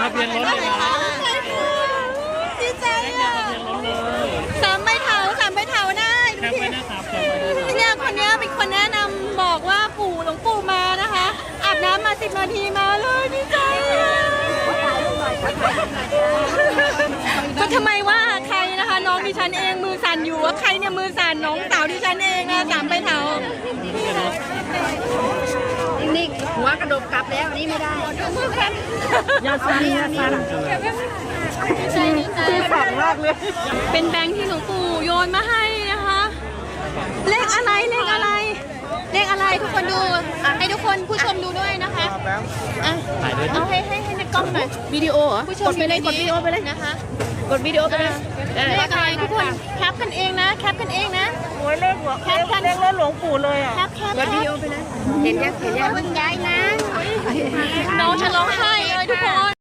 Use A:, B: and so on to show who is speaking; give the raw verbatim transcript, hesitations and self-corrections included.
A: ะเบียนรถเลยนะ
B: ดีใจ
A: เลข
B: อ่ะ
A: ทะเบียนรถเลย
B: สามใบเถาสามใบเถาได้ดู
A: แคป
B: ดิ
A: ไว้นะครับแคปไว้นะครับ
B: เนี่ยคนเนี้ยเป็นคนแนะนำบอกว่าปู่หลวงปู่มานะคะอาบน้ำมาสิบนาทีมาเลยดีใจอ่ะก็ทำไมว่าใครนะคะน้องดิฉันเองมือสั่นอยู่ว่าใครเนี่ยมือสั่นน้องสาวดิฉันเองนะสามใบเถา
C: นิ่งๆหัวกระดกกลับแล้วอันนี้ไม่ได้
B: ยาสั่นยาสั่นคือฝังมากเลยเป็นแบงค์ที่หลวงปู่โยนมาให้นะคะเลขอะไรเลขอะไรเลขอะไรทุกคนดูให้ทุกคนผู้ชมดูด้วยนะคะอ่ะ
A: ถ่ายด้วย
B: เอาให้ให้ให้ในกล้องหน่อย
C: วิดีโอเหรอ
B: ผู้ชมกดไปเลยกดวิดีโอไปเลยนะคะ
C: กดวิดีโอไปเลย
B: เลขอะไรทุกคนแคปกันเองนะแคปกันเองนะ
D: โอ้ยเลขหัว
B: แคปกัน
D: เลขรถหลวงปู่เลยอ่ะ
B: แคปแคป
C: กดวิดีโอไปเลย เห็นยังเห็นยัง
B: น้องจะร้องไห้เลยทุกคน